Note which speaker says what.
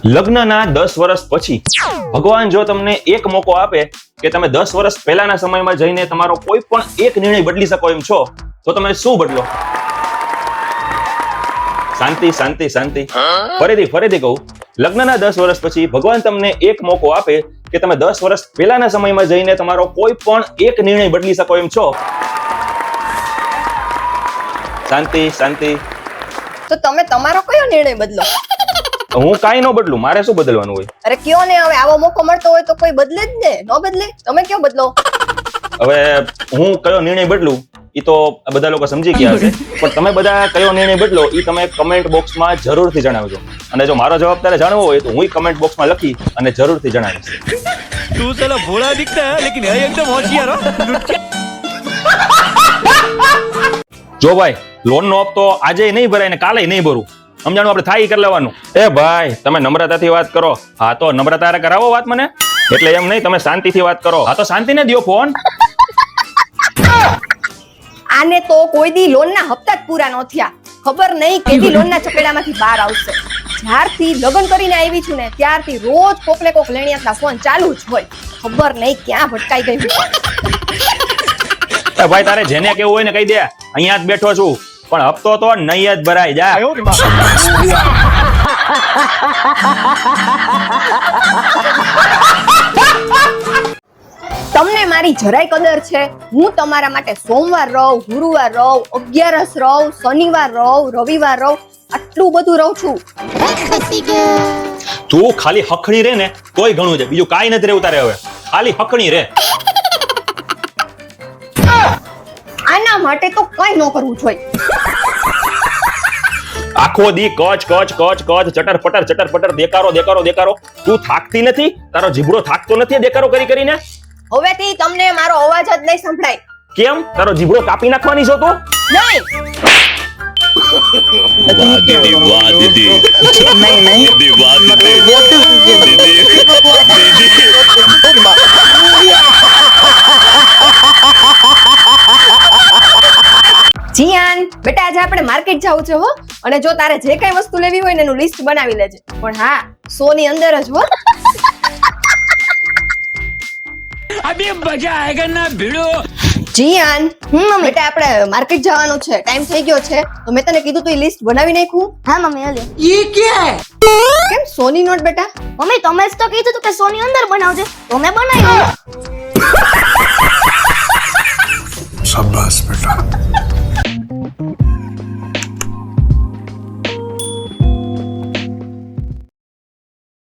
Speaker 1: લગ્નના 10 વર્ષ પછી ભગવાન જો તમને એક મોકો આપે કે તમે 10 વર્ષ પહેલાના સમયમાં જઈને તમારો કોઈ પણ એક નિર્ણય બદલી શકો એમ છો, તો તમે શું બદલો? શાંતિ શાંતિ શાંતિ. ફરીથી કહું, લગ્નના 10 વર્ષ પછી ભગવાન તમને એક મોકો આપે કે તમે 10 વર્ષ પહેલાના સમયમાં જઈને તમારો કોઈ પણ એક નિર્ણય બદલી શકો એમ છો. શાંતિ શાંતિ.
Speaker 2: તો તમે તમારો કયો નિર્ણય બદલો?
Speaker 1: હું કાઈ ન બદલું, મારે શું બદલવાનું હોય?
Speaker 2: અરે કયો ને, હવે આવો મોકો મળતો હોય તો કોઈ બદલે જ ને. ન બદલે, તમે કયો બદલો?
Speaker 1: હવે હું કયો નિર્ણય બદલું ઈ તો બધા લોકો સમજી ગયા હશે, પણ તમે બધા કયો નિર્ણય બદલો ઈ તમે કમેન્ટ બોક્સમાં જરૂરથી જણાવજો. અને જો મારો જવાબ તારે જાણવો હોય તો હું કમેન્ટ બોક્સમાં લખી અને જરૂરથી જણાવીશ.
Speaker 3: તું સાલા ભોળા દિખતા है लेकिन है एकदम होशियार हो.
Speaker 1: જો ભાઈ, લોન નો હપ્તો આજે નહીં ભરાય ને કાલે નહીં ભરું, સમજાણું? આપણે થાય કરી લેવાનું. એ ભાઈ, તમે નમ્રતાથી વાત કરો. હા તો નમ્રતા કરાવો વાત મને, એટલે એમ નહીં, તમે શાંતિથી વાત કરો. હા તો શાંતિને દ્યો ફોન.
Speaker 2: આને તો કોઈ દી લોનના હપ્તા જ પૂરા ન થયા. ખબર નહીં કેવી લોનના ચપેડામાંથી બહાર આવશે. જ્યારથી લગ્ન કરીને આવી છું ને ત્યારથી રોજ કોકને કોક લેણિયાતના ફોન ચાલુ જ હોય. ખબર નહીં ક્યાં ભટકાઈ ગઈ.
Speaker 1: એ ભાઈ, તારે જેને કેવું હોય ને કહી દે, અહીંયા જ બેઠો છું, પણ હપ્તો તો નહીં જ ભરાય. જા.
Speaker 2: તમને મારી જરાય કદર છે? હું તમારા માટે સોમવાર રહું, ગુરુવાર રહું, 11 રહું, શનિવાર રહું, રવિવાર રહું, આટલું બધું રહું છું.
Speaker 1: તું ખાલી હખણી રે ને તોય ઘણું છે, બીજું કાઈ નથી રહેવું તારે. હવે ખાલી હખણી રે.
Speaker 2: આના માટે તો કઈ ન કરવું જોઈએ.
Speaker 1: આખો દી કચ કચ કચ કચ, ચટર પટર દેકારો. તું થાકતી નથી? તારો જીભડો થાકતો નથી દેકારો કરી કરીને?
Speaker 2: હવેથી તમને મારો અવાજ જ નહીં સંભળાય.
Speaker 1: કેમ? તારો જીભડો કાપી નાખવાની છો તું?
Speaker 2: નહીં.
Speaker 3: वाह दीदी, वाह दीदी.
Speaker 4: नहीं
Speaker 3: दीदी, वाह दीदी.
Speaker 2: જીયાન બેટા, આજે આપણે માર્કેટ જાવું છે હો. અને જો તારે જે કઈ વસ્તુ લેવી હોય ને એનું લિસ્ટ બનાવી લેજે, પણ હા 100 ની અંદર જ હો.
Speaker 3: अभी मजा आएगा ना भिड़ो.
Speaker 2: જીયાન, બેટા આપણે માર્કેટ જવાનું છે, ટાઈમ થઈ ગયો છે, તો મેં તને કીધું તું લિસ્ટ બનાવી નાખ્યું?
Speaker 4: हाँ मम्मी अले ये क्या है
Speaker 2: કેમ 100 ની નોટ બેટા?
Speaker 4: मम्मी તમે જ તો કીધું તું કે સોની અંદર બનાવજે, તો મેં બનાવ્યું.
Speaker 5: शाबाश बेटा.